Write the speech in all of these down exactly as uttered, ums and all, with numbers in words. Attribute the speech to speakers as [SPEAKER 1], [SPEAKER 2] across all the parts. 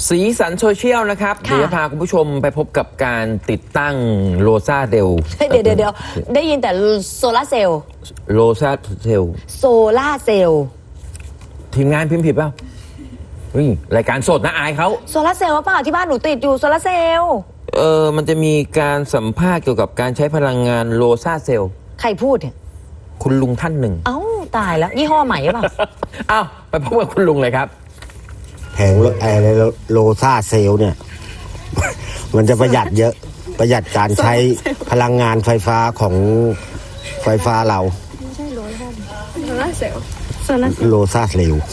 [SPEAKER 1] สีสันโซเชียลนะครับเดี๋ยวจะพาคุณผู้ชมไปพบกับการติดตั้งโลซาเซลล์
[SPEAKER 2] เดี๋ยวเดี๋ยวได้ยินแต่โซลาเซลล์
[SPEAKER 1] โลซาเซลล์
[SPEAKER 2] โซลาเซลล์
[SPEAKER 1] ทีมงานพิมพ์ผิดเปล่าเรายการสดนะอายเขา
[SPEAKER 2] โซลาเซลล์เปล่าที่บ้านหนูติดอยู่โซลาเซลล์
[SPEAKER 1] เออมันจะมีการสัมภาษณ์เกี่ยวกับการใช้พลังงานโลซาเซลล์
[SPEAKER 2] ใครพูดเนี่ย
[SPEAKER 1] คุณลุงท่านหนึ่ง
[SPEAKER 2] เอ้าตายแล้วยี่ห้อใหม่หรือเปล่า
[SPEAKER 1] อ้าวไปพบกับคุณลุงเลยครับ
[SPEAKER 3] แผงอะไรโลซาเซลล์เนี่ยมันจะประหยัดเยอะประหยัดการใช้พลังงานไฟฟ้าของไฟฟ้าเราไม่ใช่โลซาโลซาเซลล์โลซาเซลล์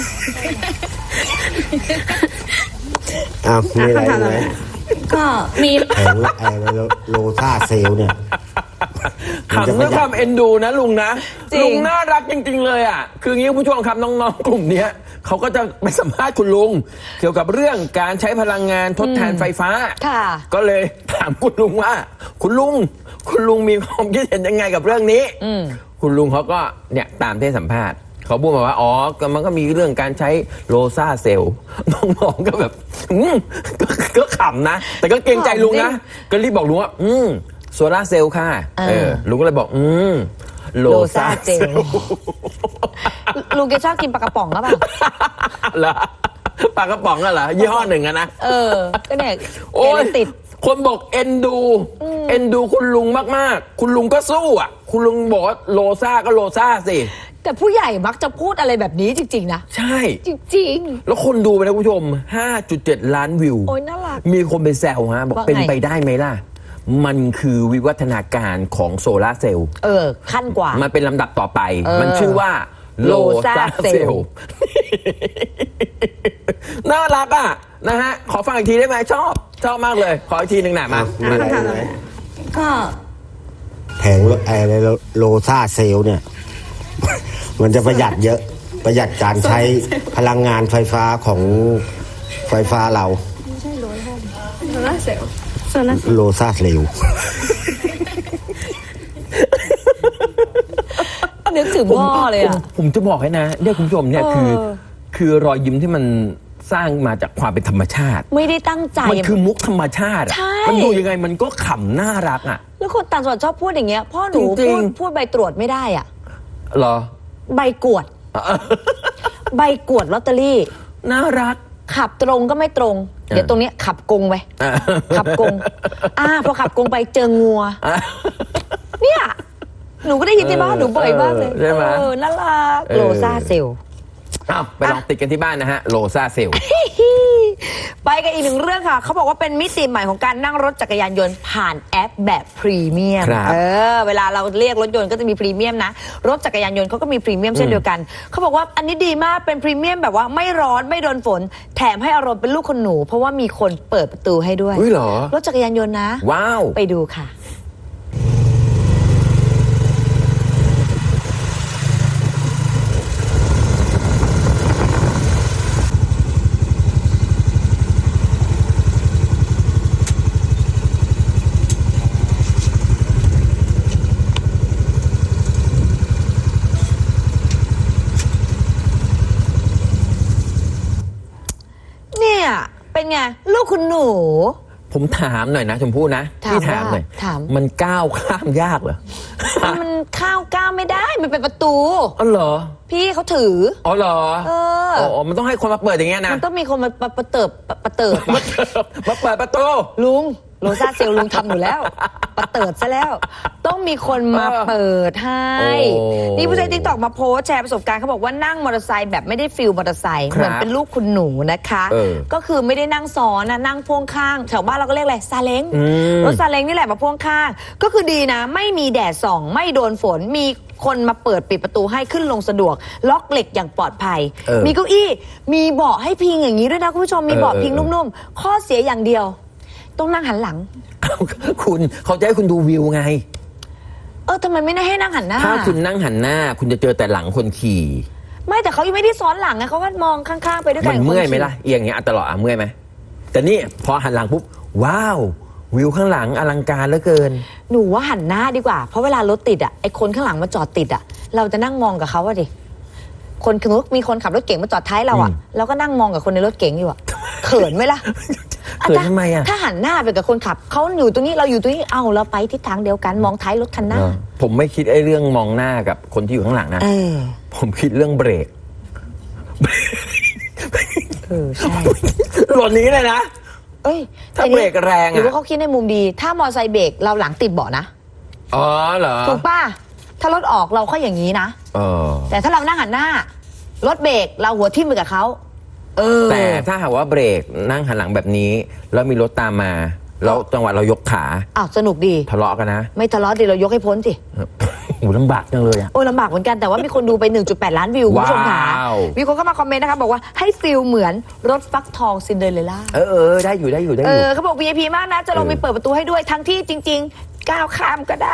[SPEAKER 3] อ้าวมีอะไรไหม
[SPEAKER 2] ก็มี
[SPEAKER 3] แผงอะไรโลซาเซลล์เนี่ย
[SPEAKER 1] ขำด้วยความเอ็นดูนะลุงนะลุงน่ารักจริงๆเลยอ่ะคืองี้ผู้ชมครับน้องๆกลุ่มนี้เขาก็จะไปสัมภาษณ์คุณลุงเกี่ยวกับเรื่องการใช้พลังงานทดแทนไฟฟ้าก็เลยถามคุณลุงว่าคุณลุงคุณลุงมีความคิดเห็นยังไงกับเรื่องนี้คุณลุงเขาก็เนี่ยตามที่สัมภาษณ์เขาพูดมาว่าอ๋อมันก็มีเรื่องการใช้โลซาเซลล์น้องๆก็แบบก็ขำนะแต่ก็เกรงใจลุงนะก็รีบบอกลุงว่าอืมโซลาเซลล์ค่ะเออลุงก็เลยบอกอืมโลซาเซลล์
[SPEAKER 2] ลุงแกชอบกินปลากระป๋องหรือเปล่า
[SPEAKER 1] เหรอปลากระป๋องอะเหรอยี่ห้อหนึ่งอะนะ
[SPEAKER 2] เออก็เนี่ยแกเลยติด
[SPEAKER 1] คนบอกเอ็นดูเอ็นดูคุณลุงมากๆคุณลุงก็สู้อ่ะคุณลุงบอกโลซาก็โลซาสิ
[SPEAKER 2] แต่ผู้ใหญ่มักจะพูดอะไรแบบนี้จริงๆนะ
[SPEAKER 1] ใช่
[SPEAKER 2] จริง
[SPEAKER 1] ๆแล้วคนดูไปนะคุณผู้ชม ห้าจุดเจ็ด ล้านวิว
[SPEAKER 2] โอ้ยน่ารัก
[SPEAKER 1] มีคนไปแซวฮะบอกเป็นไปได้ไหมล่ะมันคือวิวัฒนาการของโซลาเซลล์
[SPEAKER 2] เออขั้นกว่า
[SPEAKER 1] มันเป็นลำดับต่อไปมันชื่อว่าโลซาเซลล์น่ารักอ่ะนะฮะขอฟังอีกทีได้ไหมชอบชอบมากเลยขออีกทีหนึ่งหน่อยมา
[SPEAKER 2] ก็
[SPEAKER 3] แผงอะไรโลซาเซลล์เนี่ยมันจะประหยัดเยอะประหยัดการใช้พลังงานไฟฟ้าของไฟฟ้าเราไม่ใช่โลซาโลซาเซลล์โลซาเซลล์
[SPEAKER 2] นึกถึงพ่อเลยอ่ะ
[SPEAKER 1] ผมจะบอกให้นะเนี่ยคุณผู้ชมเนี่ยคือคือรอยยิ้มที่มันสร้างมาจากความเป็นธรรมชาติ
[SPEAKER 2] ไม่ได้ตั้งใจ
[SPEAKER 1] มันคือมุกธรรมชาติมันดูยังไงมันก็ขำน่ารักอ่ะ
[SPEAKER 2] แล้วคนต่างจังหวัดชอบพูดอย่างเงี้ยพ่อหนูพูดพูดใบตรวจไม่ได้อ่ะ
[SPEAKER 1] เหรอ
[SPEAKER 2] ใบกวดใบกวดลอตเตอรี่
[SPEAKER 1] น่ารัก
[SPEAKER 2] ขับตรงก็ไม่ตรงเดี๋ยวตรงนี้ขับกงไปขับกงอ่าพอขับกงไปเจองัวเนี่ยหนูก็ได้ยินที่บ้านหนูบ่อยมากเลย
[SPEAKER 1] ใช่ไหม
[SPEAKER 2] เออน่ารักโลซาเซลล์
[SPEAKER 1] อ้าวไปลองติดกันที่บ้านนะฮะโลซาเซลล์
[SPEAKER 2] ไปกันอีกหนึ่งเรื่องค่ะเขาบอกว่าเป็นมิติใหม่ของการนั่งรถจักรยานยนต์ผ่านแอปแบบพรีเมียมเออเวลาเราเรียกรถยนต์ก็จะมีพรีเมียมนะรถจักรยานยนต์เขาก็มีพรีเมียมเช่นเดียวกันเขาบอกว่าอันนี้ดีมากเป็นพรีเมียมแบบว่าไม่ร้อนไม่โดนฝนแถมให้อารมณ์เป็นลูกคนหนูเพราะว่ามีคนเปิดประตูให้ด้วย
[SPEAKER 1] อุ้ยเหรอ
[SPEAKER 2] รถจักรยานยนต์นะ
[SPEAKER 1] ว้าว
[SPEAKER 2] ไปดูค่ะเป็นไงลูกคุณหนู
[SPEAKER 1] ผมถามหน่อยนะชมพู่นะพี่ถามหน่อยมันก้าวข้ามยากเหรอ
[SPEAKER 2] มันข้าวก้าวไม่ได้มันเป็นประตู
[SPEAKER 1] อ๋อเหรอ
[SPEAKER 2] พี่เขาถือ
[SPEAKER 1] อ๋อเหรอเอออ๋อมันต้องให้คนมาเปิดอย่างเงี้ยนะ
[SPEAKER 2] มันต้องมีคนมาประเติบประเติบ
[SPEAKER 1] มาเปิดประตู
[SPEAKER 2] ลุงโลซาเซลลุงทำอยู่แล้วประเติดซะแล้วต้องมีคนมาเปิดให้นี่ผู้ใช้ติ๊กต็อกมาโพสแชร์ประสบการณ์เขาบอกว่านั่งมอเตอร์ไซค์แบบไม่ได้ฟิลมอเตอร์ไซค์เหมือนเป็นลูกคุณหนูนะคะก็คือไม่ได้นั่งซ้อนนะนั่งพ่วงข้างแถวบ้านเราก็เรียกอะไรซาเล้งรถซาเล้งนี่แหละมาพ่วงข้างก็คือดีนะไม่มีแดดส่องไม่โดนฝนมีคนมาเปิดปิดประตูให้ขึ้นลงสะดวกล็อกเหล็กอย่างปลอดภัยมีเก้าอี้มีเบาะให้พิงอย่างนี้ด้วยนะคุณผู้ชมมีเบาะพิงนุ่มๆข้อเสียอย่างเดียวต้องนั่งหันหลัง
[SPEAKER 1] คุณเขาจะให้คุณดูวิวไง
[SPEAKER 2] เออทำไมไม่ได้ให้นั่งหันหน้า
[SPEAKER 1] ถ้าคุณนั่งหันหน้าคุณจะเจอแต่หลังคนขี่
[SPEAKER 2] ไม่แต่เขายังไม่ได้ซ้อนหลังไงเขาก็มองข้างๆไปด้วยกัน
[SPEAKER 1] มันเมื่อยไหมล่ะเอียงอย่างเงี้ยตลอดอ่ะเมื่อยไหมแต่นี่พอหันหลังปุ๊บว้าววิวข้างหลังอลังการเหลือเกิน
[SPEAKER 2] หนูว่าหันหน้าดีกว่าเพราะเวลารถติดอ่ะไอคนข้างหลังมาจอดติดอ่ะเราจะนั่งมองกับเขาอ่ะดิคนคือมีคนขับรถเก๋งมาจอดท้ายเราอ่ะเราก็นั่งมองกับคนในรถเก๋งอยู่อ่ะเขินไหมล่ะ
[SPEAKER 1] เขินทำไมอ่ะ
[SPEAKER 2] ถ้าหันหน้าไปกับคนขับเขาอยู่ตรงนี้เราอยู่ตรงนี้เอาเราไปทิศทางเดียวกันมองท้ายรถคันหน้า
[SPEAKER 1] ผมไม่คิดไอ้เรื่องมองหน้ากับคนที่อยู่ข้างหลังนะ
[SPEAKER 2] เออ
[SPEAKER 1] ผมคิดเรื่องเบรก
[SPEAKER 2] เออใช่
[SPEAKER 1] หล่นนี้เลยนะ
[SPEAKER 2] เอ้ย
[SPEAKER 1] ถ้าเบรกแรง
[SPEAKER 2] หรือว่า
[SPEAKER 1] อ่ะ
[SPEAKER 2] เขาคิดในมุมดี ถ้ามอไซค์เบรกเราหลังติดเบาะนะ
[SPEAKER 1] อ๋อเหรอ
[SPEAKER 2] ถูกป่ะถ้ารถออกเราก็อย่างนี้นะ
[SPEAKER 1] เออ
[SPEAKER 2] แต่ถ้าเรานั่งหันหน้ารถเบรกเราหัวทิ่มไปกับเขาเออ
[SPEAKER 1] แต่ถ้าหากว่าเบรกนั่งหันหลังแบบนี้แล้วมีรถตามมาแล้วจังหวะเรายกขา
[SPEAKER 2] อ้าวสนุกดี
[SPEAKER 1] ทะเลาะกันนะ
[SPEAKER 2] ไม่ทะเลาะดีเรายกให้พ้นสิ
[SPEAKER 1] โอ้ลำบากจังเลยอะ
[SPEAKER 2] โอ้ยลำบากเหมือนกันแต่ว่ามีคนดูไป หนึ่งจุดแปด ล้านวิวคุณผู้ชมค่ะ
[SPEAKER 1] ว้าว
[SPEAKER 2] มีคนเข้ามาคอมเมนต์นะคะบอกว่าให้ฟิลเหมือนรถฟักทองซินเดอเรลล่า
[SPEAKER 1] เออเออได้อยู่ได้อยู่ได้
[SPEAKER 2] เอ
[SPEAKER 1] อยู่
[SPEAKER 2] อเขาบอก วี ไอ พี มากนะจะลง
[SPEAKER 1] เออ
[SPEAKER 2] ไปเปิดประตูให้ด้วยทั้งที่จริง ๆ ก้าวข้ามก็ได้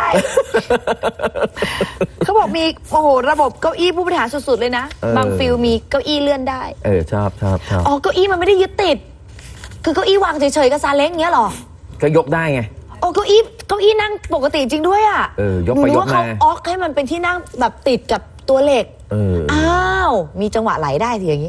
[SPEAKER 2] เขาบอกมีโอ้โหระบบเก้าอี้ผู้บริหารสุดๆเลยนะ บางฟิลมีเก้าอี้เลื่อนได้
[SPEAKER 1] เออชอบชอบชอบ
[SPEAKER 2] อ๋อเก้าอี้มันไม่ได้ยึดติด คือเก้าอี้วางเฉยๆกับซาเล้งเงี้ยเหรอ
[SPEAKER 1] ก็ยกได้ไง
[SPEAKER 2] โอ้เก้าอี้เก้าอี้นั่งปกติจริงด้วยอ่ะ
[SPEAKER 1] เออยก
[SPEAKER 2] หนู
[SPEAKER 1] ไป
[SPEAKER 2] นึ
[SPEAKER 1] ยก
[SPEAKER 2] ว่าเขา
[SPEAKER 1] มา
[SPEAKER 2] ออกให้มันเป็นที่นั่งแบบติดกับตัวเหล็ก
[SPEAKER 1] เออ
[SPEAKER 2] อ้าว มีจังหวะไหลได้ทีอย่างนี้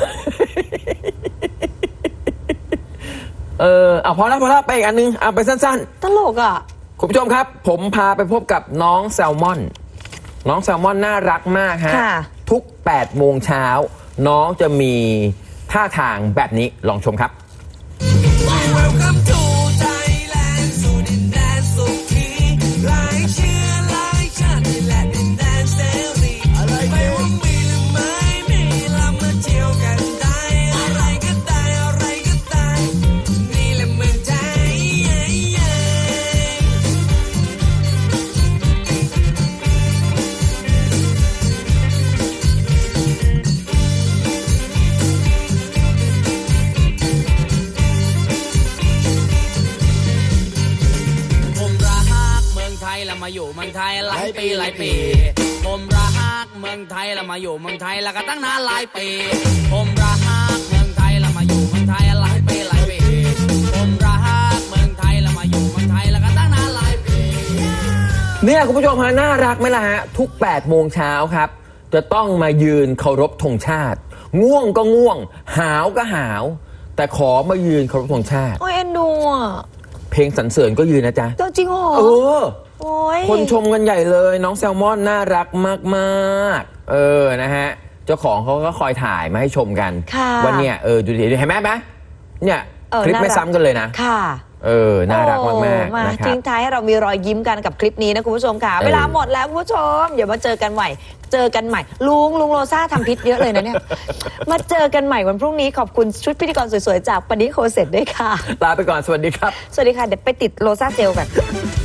[SPEAKER 1] เออเอาพอแล้วพอแล้วไปอีกอันนึงเอาไปสั้น
[SPEAKER 2] ตลกอ่ะ
[SPEAKER 1] ๆคุณผู้ชมครับ ผมพาไปพบกับน้องแซลมอน น้องแซลมอนน่ารักมากฮะ
[SPEAKER 2] ค่ะ
[SPEAKER 1] ทุกแปดโมงเช้าน้องจะมีท่าทางแบบนี้ลองชมครับ
[SPEAKER 4] Welcome to Thailand สู่ดินแดนสุขีหลายเชื้อหลายชาตินี่แหละดินแดนเสรีไม่ว่ามีหรือไม่มีเรามาเที่ยวกันได้อะไรก็ได้อะไรก็ได้นี่แหละเมืองไทย ผมรักเมืองไทยแล้วมาอยู่เมืองไทยหลายปีหลายปี ผมรักเมืองไทยแล้วมาอยู่เมืองไทยแล้วก็ตั้งนานหลายปี ผมรักเมืองไทยแล้วมาอยู่เมืองไทยหลายปีหลายปี ผมรักเมืองไทยแล้วมาอยู่เมืองไทยแล้วก็ตั้งนานหลายปี
[SPEAKER 1] เนี่ยคุณผู้ชมฮะน่ารักไหมล่ะฮะ ทุกแปดโมงเช้าครับ จะต้องมายืนเคารพธงชาติ ง่วงก็ง่วง หาวก็หาว แต่ขอมายืนเคารพธงชาติ
[SPEAKER 2] โอ้ยเอ็นดูอ่ะ
[SPEAKER 1] เพลงสรรเสริญก็ยืนนะจ๊ะ
[SPEAKER 2] เจ้าจริงเหรอ
[SPEAKER 1] เออ
[SPEAKER 2] โอ้ย
[SPEAKER 1] คนชมกันใหญ่เลย น้องแซลมอนน่ารักมากๆ เออนะฮะ เจ้าของเขาก็คอยถ่ายมาให้ชมกัน
[SPEAKER 2] ค่ะ
[SPEAKER 1] ว่าเนี่ยเออดูดิเห็นไหมไหมเนี่ย
[SPEAKER 2] เออ
[SPEAKER 1] คลิปไม่
[SPEAKER 2] น่ารัก
[SPEAKER 1] ซ้ำกันเลยนะ
[SPEAKER 2] ค่ะ
[SPEAKER 1] เออ น่ารักมาก
[SPEAKER 2] โอ้
[SPEAKER 1] ๆ
[SPEAKER 2] มา
[SPEAKER 1] นะครั
[SPEAKER 2] ทิ้
[SPEAKER 1] บ
[SPEAKER 2] งท้ายให้เรามีรอยยิ้มกันกับคลิปนี้นะคุณผู้ชมค่ะ
[SPEAKER 1] เออ
[SPEAKER 2] เวลาหมดแล้วคุณผู้ชมเดี๋ยวมาเจอกันใหม่ เจอกันใหม่ ลุงลุงโรซ่าทำพิษเยอะเลยนะเนี่ย มาเจอกันใหม่วันพรุ่งนี้ขอบคุณชุดพิธีกรสวยๆจากปนิโคเซ็ตด้วยค่ะ
[SPEAKER 1] ลาไปก่อนสวัสดีครับ
[SPEAKER 2] สวัสดีค่ะเดี๋ยวไปติดโรซ่าเซลล์กัน